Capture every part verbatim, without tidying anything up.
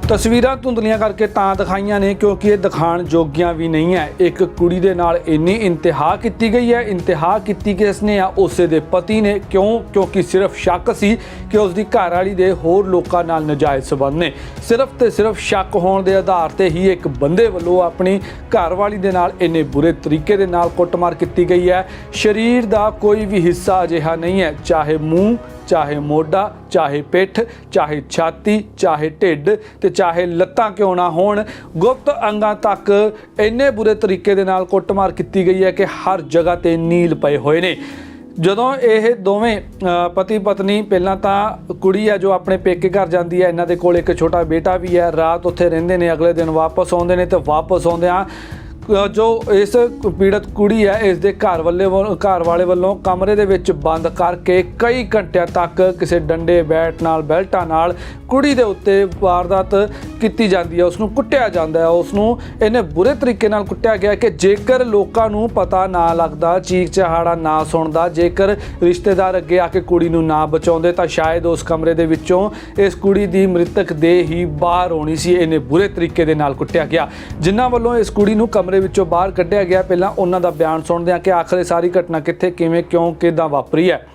ਤਸਵੀਰਾਂ ਧੁੰਦਲੀਆਂ ਕਰਕੇ ਤਾਂ ਦਿਖਾਈਆਂ ਨੇ ਕਿਉਂਕਿ ਇਹ ਦਿਖਾਣ ਜੋਗੀਆਂ ਵੀ ਨਹੀਂ ਹੈ। ਇੱਕ ਕੁੜੀ ਦੇ ਨਾਲ ਇੰਨੀ ਇੰਤਹਾ ਕੀਤੀ ਗਈ ਹੈ। ਇੰਤਹਾ ਕੀਤੀ ਕਿਸ ਨੇ ਆ? ਉਸੇ ਦੇ ਪਤੀ ਨੇ। ਕਿਉਂ? ਕਿਉਂਕਿ ਸਿਰਫ ਸ਼ੱਕ ਸੀ ਕਿ ਉਸ ਦੀ ਘਰਵਾਲੀ ਦੇ ਹੋਰ ਲੋਕਾਂ ਨਾਲ ਨਜਾਇਜ਼ ਸਬੰਧ ਨੇ। ਸਿਰਫ ਤੇ ਸਿਰਫ ਸ਼ੱਕ ਹੋਣ ਦੇ ਆਧਾਰ ਤੇ ਹੀ ਇੱਕ ਬੰਦੇ ਵੱਲੋਂ ਆਪਣੀ ਘਰਵਾਲੀ ਦੇ ਨਾਲ ਇੰਨੇ ਬੁਰੇ ਤਰੀਕੇ ਦੇ ਨਾਲ ਕੁੱਟਮਾਰ ਕੀਤੀ ਗਈ ਹੈ। ਸਰੀਰ ਦਾ ਕੋਈ ਵੀ ਹਿੱਸਾ ਅਜਿਹਾ ਨਹੀਂ ਹੈ, ਚਾਹੇ ਮੂੰਹ, ਚਾਹੇ ਮੋਢਾ, ਚਾਹੇ ਪਿੱਠ, ਚਾਹੇ ਛਾਤੀ, ਚਾਹੇ ਢਿੱਡ ਤੇ ਚਾਹੇ ਲੱਤਾਂ ਕਿਉਂ ਨਾ ਹੋਣ, ਗੁਪਤ ਅੰਗਾਂ ਤੱਕ ਇੰਨੇ ਬੁਰੇ ਤਰੀਕੇ ਦੇ ਨਾਲ ਕੁੱਟਮਾਰ ਕੀਤੀ ਗਈ ਹੈ ਕਿ ਹਰ ਜਗ੍ਹਾ ਤੇ ਨੀਲ ਪਏ ਹੋਏ ਨੇ। ਜਦੋਂ ਇਹ ਦੋਵੇਂ ਪਤੀ ਪਤਨੀ, ਪਹਿਲਾਂ ਤਾਂ ਕੁੜੀ ਹੈ ਜੋ ਆਪਣੇ ਪੇਕੇ ਘਰ ਜਾਂਦੀ ਹੈ, ਇਹਨਾਂ ਦੇ ਕੋਲ ਇੱਕ ਛੋਟਾ ਬੇਟਾ ਵੀ ਹੈ, ਰਾਤ ਉੱਥੇ ਰਹਿੰਦੇ ਨੇ, ਅਗਲੇ ਦਿਨ ਵਾਪਸ ਆਉਂਦੇ ਨੇ ਤੇ ਵਾਪਸ ਆਉਂਦਿਆਂ ਜੋ ਇਸ ਪੀੜਤ ਕੁੜੀ ਹੈ ਇਸ ਦੇ ਘਰ ਵਾਲੇ ਘਰ ਵਾਲੇ ਵੱਲੋਂ ਕਮਰੇ ਦੇ ਵਿੱਚ ਬੰਦ ਕਰਕੇ ਕਈ ਘੰਟਿਆਂ ਤੱਕ ਕਿਸੇ ਡੰਡੇ ਬੈਟ ਨਾਲ ਬੈਲਟਾਂ ਨਾਲ ਕੁੜੀ ਦੇ ਉੱਤੇ ਵਾਰਦਾਤ ਕੀਤੀ ਜਾਂਦੀ ਹੈ। ਉਸ ਨੂੰ ਕੁੱਟਿਆ ਜਾਂਦਾ ਹੈ। ਉਸ ਨੂੰ ਇੰਨੇ ਬੁਰੇ ਤਰੀਕੇ ਨਾਲ ਕੁੱਟਿਆ ਗਿਆ ਕਿ ਜੇਕਰ ਲੋਕਾਂ ਨੂੰ ਪਤਾ ਨਾ ਲੱਗਦਾ, ਚੀਕ ਚਹਾੜਾ ਨਾ ਸੁਣਦਾ, ਜੇਕਰ ਰਿਸ਼ਤੇਦਾਰ ਅੱਗੇ ਆ ਕੇ ਕੁੜੀ ਨੂੰ ਨਾ ਬਚਾਉਂਦੇ ਤਾਂ ਸ਼ਾਇਦ ਉਸ ਕਮਰੇ ਦੇ ਵਿੱਚੋਂ ਇਸ ਕੁੜੀ ਦੀ ਮ੍ਰਿਤਕ ਦੇਹ ਹੀ ਬਾਹਰ ਆਉਣੀ ਸੀ। ਇੰਨੇ ਬੁਰੇ ਤਰੀਕੇ ਦੇ ਨਾਲ ਕੁੱਟਿਆ ਗਿਆ। ਜਿਨ੍ਹਾਂ ਵੱਲੋਂ ਇਸ ਕੁੜੀ ਨੂੰ ਕਮਰੇ ਵਿੱਚੋਂ ਬਾਹਰ ਕੱਢਿਆ ਗਿਆ, ਪਹਿਲਾਂ ਉਹਨਾਂ ਦਾ ਬਿਆਨ ਸੁਣਦੇ ਹਾਂ ਕਿ ਆਖਰ ਇਹ ਸਾਰੀ ਘਟਨਾ ਕਿੱਥੇ, ਕਿਵੇਂ, ਕਿਉਂ, ਕਿੱਦਾਂ ਵਾਪਰੀ ਹੈ।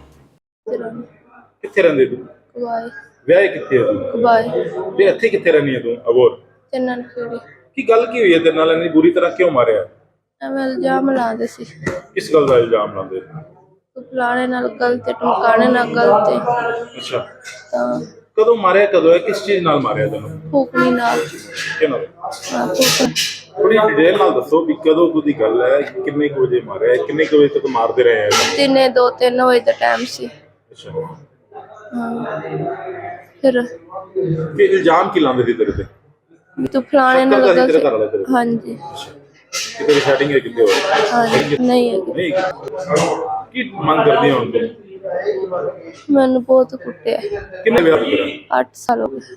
ਕਿੱਥੇ ਰਹਿੰਦੇ ਤੂੰ? ਕਬਾਏ ਵਿਆਹ ਕਿੱਥੇ ਹੈ ਤੂੰ? ਕਬਾਏ ਤੇ ਇੱਥੇ ਕਿੱਥੇ ਰਹਿੰਦੀ ਹੈ ਤੂੰ? ਅਬੋਰ ਚੰਨਨ ਖੇੜੀ। ਕੀ ਗੱਲ ਕੀ ਹੋਈ ਹੈ ਤੇਰੇ ਨਾਲ? ਇੰਨੀ ਬੁਰੀ ਤਰ੍ਹਾਂ ਕਿਉਂ ਮਾਰਿਆ? ਐਵੇਂ ਇਲਜ਼ਾਮ ਲਾਉਂਦੇ ਸੀ। ਕਿਸ ਗੱਲ ਦਾ ਇਲਜ਼ਾਮ ਲਾਉਂਦੇ? ਤੂੰ ਫਲਾਣੇ ਨਾਲ ਗਲਤ ਹੈ, ਟਮਕਾਣੇ ਨਾਲ ਗਲਤ ਹੈ। ਅੱਛਾ, ਤਾਂ ਕਦੋਂ ਮਾਰਿਆ? ਕਦੋਂ ਹੈ? ਕਿਸ ਚੀਜ਼ ਨਾਲ ਮਾਰਿਆ ਤੈਨੂੰ? ਫੂਕਣੀ ਨਾਲ। ਕਿਹਨਾਂ? ਹਾਂ, ਫੂਕ। ਥੋੜੀ ਡਿਟੇਲ ਨਾਲ ਦੱਸੋ ਵੀ ਕਦੋਂ ਕੁ ਦੀ ਗੱਲ ਹੈ, ਕਿੰਨੇ ਕੁ ਵਜੇ ਮਾਰਿਆ, ਕਿੰਨੇ ਕੁ ਵਜੇ ਤੱਕ ਮਾਰਦੇ ਰਹੇ? ਤਿੰਨੇ ਦੋ ਤਿੰਨ ਵਜੇ ਦਾ ਟਾਈਮ ਸੀ। ਅੱਛਾ, ਹਾਂ। ਫਿਰ ਕਿ ਇਲਜ਼ਾਮ ਕੀ ਲਾਉਂਦੇ ਸੀ ਤੇਰੇ ਤੇ? ਵੀ ਤੂੰ ਫਲਾਣੇ ਨਾਲ ਤੇਰਾ ਗਲਤ। ਘਰ ਵਾਲਾ ਤੇਰੇ? ਹਾਂਜੀ। ਕਿਤੇ ਸੈਟਿੰਗ ਹੈ ਕਿਤੇ ਹੋਰ? ਹਾਂਜੀ, ਨਹੀਂ ਹੈਗੀ। ਨਹੀਂ, ਕੀ ਮੰਗ ਕਰਦੀ ਹੁਣ ਤੂੰ? ਮੈਨੂੰ ਬਹੁਤ ਕੁੱਟਿਆ। ਕਿੰਨੇ ਵਿਆਹ ਤੇਰਾ? ਅੱਠ ਸਾਲ ਹੋ ਗਏ।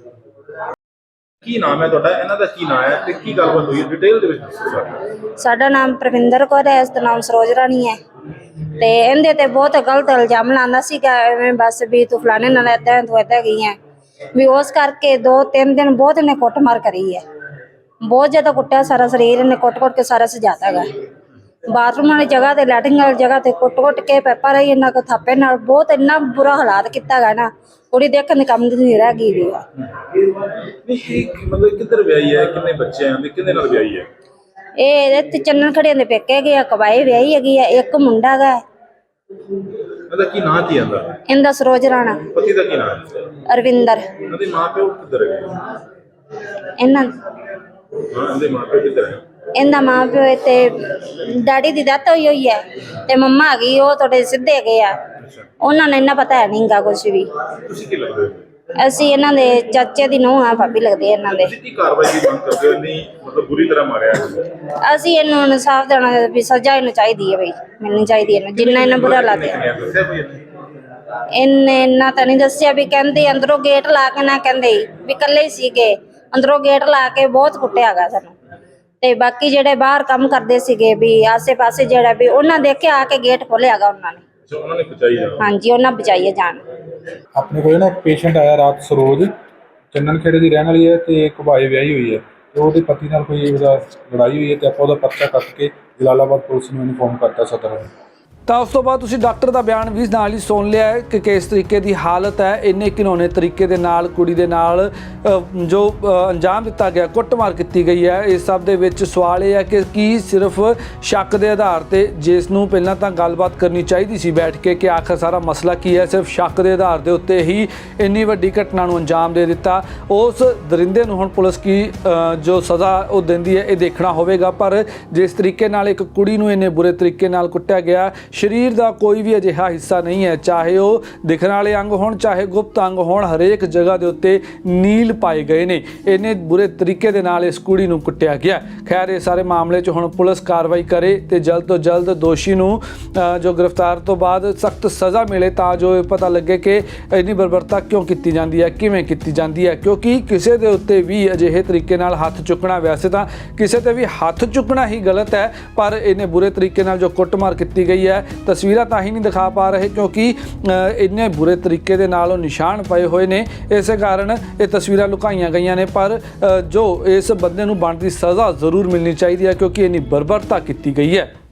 ਕੀ ਨਾਮ ਹੈ ਤੁਹਾਡਾ? ਇਹਨਾਂ ਦਾ ਕੀ ਨਾਮ ਹੈ ਤੇ ਕੀ ਗੱਲਬਾਤ ਹੋਈ ਡਿਟੇਲ ਦੇ ਵਿੱਚ ਦੱਸੋ ਸਾਨੂੰ। ਸਾਡਾ ਨਾਮ ਪ੍ਰਵਿੰਦਰ ਕੌਰ ਹੈ, ਇਸ ਦਾ ਨਾਮ ਸਰੋਜ ਰਾਣੀ ਹੈ। ਤੇ ਇਹਦੇ ਤੇ ਬਹੁਤ ਗਲਤ ਇਲਜ਼ਾਮ ਲਾਉਂਦਾ ਸੀਗਾ, ਐਵੇਂ ਬਸ ਵੀ ਤੂੰ ਫਲਾਣੇ ਨਾਲ ਏਦਾਂ ਤੂੰ ਏਦਾਂ ਗਈ ਹੈ ਵੀ। ਉਸ ਕਰਕੇ ਦੋ ਤਿੰਨ ਦਿਨ ਬਹੁਤ ਇਹਨੇ ਕੁੱਟਮਾਰ ਕਰੀ ਹੈ, ਬਹੁਤ ਜ਼ਿਆਦਾ ਕੁੱਟਿਆ। ਸਾਰਾ ਸਰੀਰ ਇਹਨੇ ਕੁੱਟ-ਕੁੱਟ ਕੇ ਸਾਰਾ ਸਜਾਤਾ ਗਾ। ਬਾਥਰੂਮ ਵਾਲੀ ਜਗ੍ਹਾ ਤੇ, ਲੈਟਰਿੰਗ ਵਾਲੀ ਜਗ੍ਹਾ ਤੇ ਕੁੱਟ-ਕੁੱਟ ਕੇ ਪੈਪਾ ਰਹੀ ਇਹਨਾਂ ਕੋ ਥਾਪੇ ਨਾਲ। ਬਹੁਤ ਇੰਨਾ ਬੁਰਾ ਹਾਲਾਤ ਕੀਤਾ ਗਾ ਨਾ, ਕੁੜੀ ਦੇਖਣ ਦੇ ਕੰਮ ਦੀ ਨਹੀਂ ਰਹਿ ਗਈ ਵੀ। ਨਹੀਂ, ਮਤਲਬ ਕਿੱਧਰ ਵਿਆਹੀ ਹੈ, ਕਿੰਨੇ ਬੱਚੇ ਹਨ ਤੇ ਕਿਹਦੇ ਨਾਲ ਵਿਆਹੀ ਹੈ? ਇਹ ਇਹਦੇ ਚੰਨਨ ਖੜਿਆਂ ਦੇ ਪੇਕੇ ਗਿਆ, ਕਬਾਏ ਵਿਆਹੀ ਹੈਗੀ ਆ। ਇੱਕ ਮੁੰਡਾ ਗਾ। ਇਹਦਾ ਕੀ ਨਾਂ ਕੀ ਆਂਦਾ? ਇਹਦਾ ਸਰੋਜ ਰਾਣਾ। ਪਤੀ ਦਾ ਕੀ ਨਾਮ ਹੈ? ਅਰਵਿੰਦਰ। ਇਹਦੇ ਮਾਪਿਓ ਕਿੱਧਰ ਹੈ? ਇਹਨਾਂ ਹਾਂ, ਇਹਦੇ ਮਾਪਿਓ ਕਿੱਧਰ ਹੈ? ਇਹਦਾ ਮਾਂ ਪਿਓ ਤੇ ਡੈਡੀ ਦੀ ਡੈਥ ਹੋਈ ਹੋਈ ਹੈ ਤੇ ਮੰਮਾ ਆ ਗਈ, ਉਹ ਤੁਹਾਡੇ ਸਿੱਧੇ ਗਏ ਆ। ਉਹਨਾਂ ਨੇ ਇੰਨਾ ਪਤਾ ਹੈ ਨਹੀਂ ਗਾ ਕੁਛ ਵੀ। ਤੁਸੀਂ ਕੀ ਲੱਗਦੇ ਹੋ? ਅਸੀਂ ਇਹਨਾਂ ਦੇ ਚਾਚੇ ਦੀ ਨੂੰਹ ਆ, ਭਾਬੀ ਲੱਗਦੇ ਇਹਨਾਂ ਦੇ। ਤੁਸੀਂ ਕੀ ਕਾਰਵਾਈ ਦੀ ਮੰਗ ਕਰਦੇ ਹੋ? ਨਹੀਂ ਮਤਲਬ ਬੁਰੀ ਤਰ੍ਹਾਂ ਮਾਰਿਆ ਹੈ। ਅਸੀਂ ਇਹਨੂੰ ਇਨਸਾਫ ਦੇਣਾ ਵੀ ਸਜ਼ਾ ਇਹਨੂੰ ਚਾਹੀਦੀ ਹੈ ਬਈ, ਮਿਲਣੀ ਚਾਹੀਦੀ ਇਹਨੂੰ, ਜਿੰਨਾ ਇਹਨਾਂ ਬੁਰਾ ਲੱਗਿਆ। ਦੱਸਿਆ ਕੋਈ ਇਹਨੇ? ਇਹਨੇ ਇੰਨਾ ਤਾਂ ਨਹੀਂ ਦੱਸਿਆ ਵੀ। ਕਹਿੰਦੇ ਅੰਦਰੋਂ ਗੇਟ ਲਾ ਕੇ ਨਾ, ਕਹਿੰਦੇ ਵੀ ਇਕੱਲੇ ਹੀ ਸੀਗੇ, ਅੰਦਰੋਂ ਗੇਟ ਲਾ ਕੇ ਬਹੁਤ ਕੁੱਟਿਆ ਗਾ ਸਾਨੂੰ। ਤੇ ਬਾਕੀ ਜਿਹੜੇ ਬਾਹਰ ਕੰਮ ਕਰਦੇ ਸੀਗੇ ਵੀ ਆਸੇ ਪਾਸੇ ਜਿਹੜਾ ਵੀ ਉਹਨਾਂ ਦੇਖਿਆ ਆ ਕੇ ਗੇਟ ਖੋਲਿਆ ਗਾ ਉਹਨਾਂ ਨੇ। ਉਹਨਾਂ ਨੇ ਬਚਾਈ ਜਾਣਾ। ਹਾਂਜੀ, ਉਹਨਾਂ ਬਚਾਈਏ ਜਾਨ। ਆਪਣੇ ਕੋਲ ਨਾ ਇੱਕ ਪੇਸ਼ੈਂਟ ਆਇਆ ਰਾਤ, ਸਰੋਜ ਚੰਨਨ ਖੇੜੇ ਦੀ ਰਹਿਣ ਵਾਲੀ ਹੈ ਤੇ ਕਬਾਏ ਵਿਆਹੀ ਹੋਈ ਹੈ ਤੇ ਉਹਦੇ ਪਤੀ ਨਾਲ ਕੋਈ ਉਹਦਾ ਲੜਾਈ ਹੋਈ ਹੈ ਤੇ ਆਪਾਂ ਉਹਦਾ ਪਰਚਾ ਕੱਟ ਕੇ ਜਲਾਲਾਬਾਦ ਪੁਲਿਸ ਨੂੰ ਇਨਫੋਰਮ ਕਰਤਾ ਸਦਰ। ਤਾਂ ਉਸ ਤੋਂ ਬਾਅਦ ਤੁਸੀਂ ਡਾਕਟਰ ਦਾ ਬਿਆਨ ਵੀ ਨਾਲ ਹੀ ਸੁਣ ਲਿਆ ਹੈ ਕਿ ਕਿਸ ਤਰੀਕੇ ਦੀ ਹਾਲਤ ਹੈ। ਇੰਨੇ ਘਿਨੌਣੇ ਤਰੀਕੇ ਦੇ ਨਾਲ ਕੁੜੀ ਦੇ ਨਾਲ ਜੋ ਅੰਜਾਮ ਦਿੱਤਾ ਗਿਆ, ਕੁੱਟਮਾਰ ਕੀਤੀ ਗਈ ਹੈ। ਇਸ ਸਭ ਦੇ ਵਿੱਚ ਸਵਾਲ ਇਹ ਹੈ ਕਿ ਕੀ ਸਿਰਫ ਸ਼ੱਕ ਦੇ ਆਧਾਰ ਤੇ, ਜਿਸ ਨੂੰ ਪਹਿਲਾਂ ਤਾਂ ਗੱਲਬਾਤ ਕਰਨੀ ਚਾਹੀਦੀ ਸੀ ਬੈਠ ਕੇ ਕਿ ਆਖਰ ਸਾਰਾ ਮਸਲਾ ਕੀ ਹੈ, ਸਿਰਫ ਸ਼ੱਕ ਦੇ ਆਧਾਰ ਦੇ ਉੱਤੇ ਹੀ ਇੰਨੀ ਵੱਡੀ ਘਟਨਾ ਨੂੰ ਅੰਜਾਮ ਦੇ ਦਿੱਤਾ। ਉਸ ਦਰਿੰਦੇ ਨੂੰ ਹੁਣ ਪੁਲਿਸ ਕੀ ਜੋ ਸਜ਼ਾ ਉਹ ਦਿੰਦੀ ਹੈ ਇਹ ਦੇਖਣਾ ਹੋਵੇਗਾ। ਪਰ ਜਿਸ ਤਰੀਕੇ ਨਾਲ ਇੱਕ ਕੁੜੀ ਨੂੰ ਇੰਨੇ ਬੁਰੇ ਤਰੀਕੇ ਨਾਲ ਕੁੱਟਿਆ ਗਿਆ, ਸਰੀਰ ਦਾ ਕੋਈ ਵੀ ਅਜਿਹਾ ਹਿੱਸਾ ਨਹੀਂ ਹੈ, ਚਾਹੇ ਉਹ ਦਿਖਣ ਵਾਲੇ ਅੰਗ ਹੋਣ, ਚਾਹੇ ਗੁਪਤ ਅੰਗ ਹੋਣ, ਹਰੇਕ ਜਗ੍ਹਾ ਦੇ ਉੱਤੇ ਨੀਲ ਪਾਏ ਗਏ ਨੇ। ਇੰਨੇ ਬੁਰੇ ਤਰੀਕੇ ਦੇ ਨਾਲ ਇਸ ਕੁੜੀ ਨੂੰ ਕੁੱਟਿਆ ਗਿਆ। ਖੈਰ, ਇਹ ਸਾਰੇ ਮਾਮਲੇ 'ਚ ਹੁਣ ਪੁਲਿਸ ਕਾਰਵਾਈ ਕਰੇ ਤੇ ਜਲਦ ਤੋਂ ਜਲਦ ਦੋਸ਼ੀ ਨੂੰ ਜੋ ਗ੍ਰਿਫਤਾਰ ਤੋਂ ਬਾਅਦ ਸਖਤ ਸਜ਼ਾ ਮਿਲੇ, ਤਾਂ ਜੋ ਇਹ ਪਤਾ ਲੱਗੇ ਕਿ ਇੰਨੀ ਬਰਬਰਤਾ ਕਿਉਂ ਕੀਤੀ ਜਾਂਦੀ ਹੈ, ਕਿਵੇਂ ਕੀਤੀ ਜਾਂਦੀ ਹੈ। ਕਿਉਂਕਿ ਕਿਸੇ ਦੇ ਉੱਤੇ ਵੀ ਅਜਿਹੇ ਤਰੀਕੇ ਨਾਲ ਹੱਥ ਚੁੱਕਣਾ, ਵੈਸੇ ਤਾਂ ਕਿਸੇ ਤੇ ਵੀ ਹੱਥ ਚੁੱਕਣਾ ਹੀ ਗਲਤ ਹੈ, ਪਰ ਇੰਨੇ ਬੁਰੇ ਤਰੀਕੇ ਨਾਲ ਜੋ ਕੁੱਟਮਾਰ ਕੀਤੀ ਗਈ ਹੈ ਤਸਵੀਰਾਂ ਤਾਂ ਹੀ ਨਹੀਂ ਦਿਖਾ ਪਾ ਰਹੇ ਕਿਉਂਕਿ ਅ, ਇੰਨੇ ਬੁਰੇ ਤਰੀਕੇ ਦੇ ਨਾਲ ਉਹ ਨਿਸ਼ਾਨ ਪਏ ਹੋਏ ਨੇ, ਇਸੇ ਕਾਰਨ ਇਹ ਤਸਵੀਰਾਂ ਲੁਕਾਈਆਂ ਗਈਆਂ ਨੇ। ਪਰ ਅ, ਜੋ ਇਸ ਬੰਦੇ ਨੂੰ ਬਣਦੀ ਸਜ਼ਾ ਜ਼ਰੂਰ ਮਿਲਣੀ ਚਾਹੀਦੀ ਹੈ ਕਿਉਂਕਿ ਇੰਨੀ ਬਰਬਰਤਾ ਕੀਤੀ ਗਈ ਹੈ।